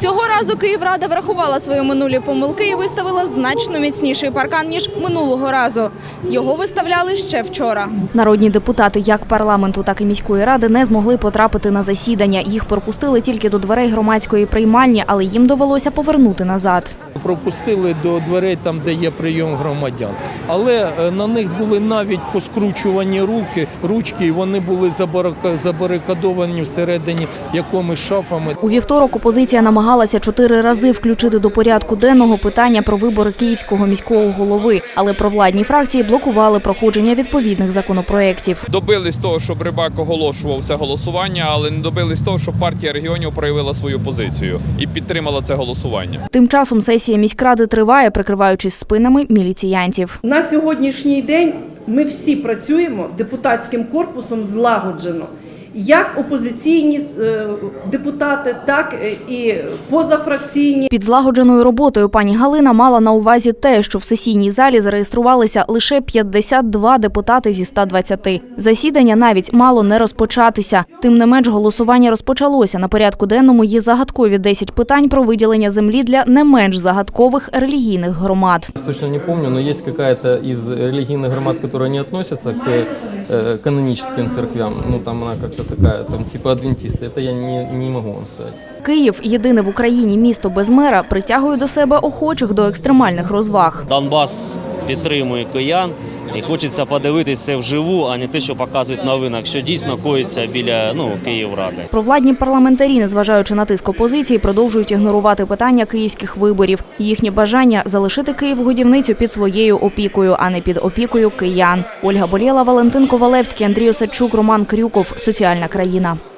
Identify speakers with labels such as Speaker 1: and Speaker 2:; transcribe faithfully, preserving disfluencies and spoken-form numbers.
Speaker 1: Цього разу Київрада врахувала свої минулі помилки і виставила значно міцніший паркан, ніж минулого разу. Його виставляли ще вчора.
Speaker 2: Народні депутати як парламенту, так і міської ради не змогли потрапити на засідання. Їх пропустили тільки до дверей громадської приймальні, але їм довелося повернути назад.
Speaker 3: Пропустили до дверей там, де є прийом громадян. Але на них були навіть поскручувані руки, ручки, і вони були забарикадовані всередині якомусь шафами.
Speaker 2: У вівторок опозиція намагалася чотири рази включити до порядку денного питання про вибори Київського міського голови, але провладні фракції блокували проходження відповідних законопроєктів.
Speaker 4: Добились того, щоб Рибак оголошував це голосування, але не добились того, щоб партія регіонів проявила свою позицію і підтримала це голосування.
Speaker 2: Тим часом сесія міськради триває, прикриваючись спинами міліціянтів.
Speaker 5: На сьогоднішній день ми всі працюємо депутатським корпусом злагоджено. Як опозиційні депутати, так і позафракційні.
Speaker 2: Під злагодженою роботою пані Галина мала на увазі те, що в сесійній залі зареєструвалися лише п'ятдесят два депутати зі ста двадцяти. Засідання навіть мало не розпочатися. Тим не менш, голосування розпочалося. На порядку денному є загадкові десять питань про виділення землі для не менш загадкових релігійних громад.
Speaker 6: Точно не пам'ятаю, але є якась із релігійних громад, які не відносяться к канонічним церквям. Ну там вона як такая, там, типа адвентисты. Это я не, не могу вам сказать.
Speaker 2: Київ, єдине в Україні місто без мера, притягує до себе охочих до екстремальних розваг.
Speaker 7: Донбас підтримує киян і хочеться подивитися це вживу, а не те, що показують в новинах, що дійсно коїться біля ну, Київради.
Speaker 2: Провладні парламентарі, незважаючи на тиск опозиції, продовжують ігнорувати питання київських виборів. Їхнє бажання – залишити Київ-годівницю під своєю опікою, а не під опікою киян. Ольга Болєла, Валентин Ковалевський, Андрій Осадчук, Роман Крюков. Соціальна країна.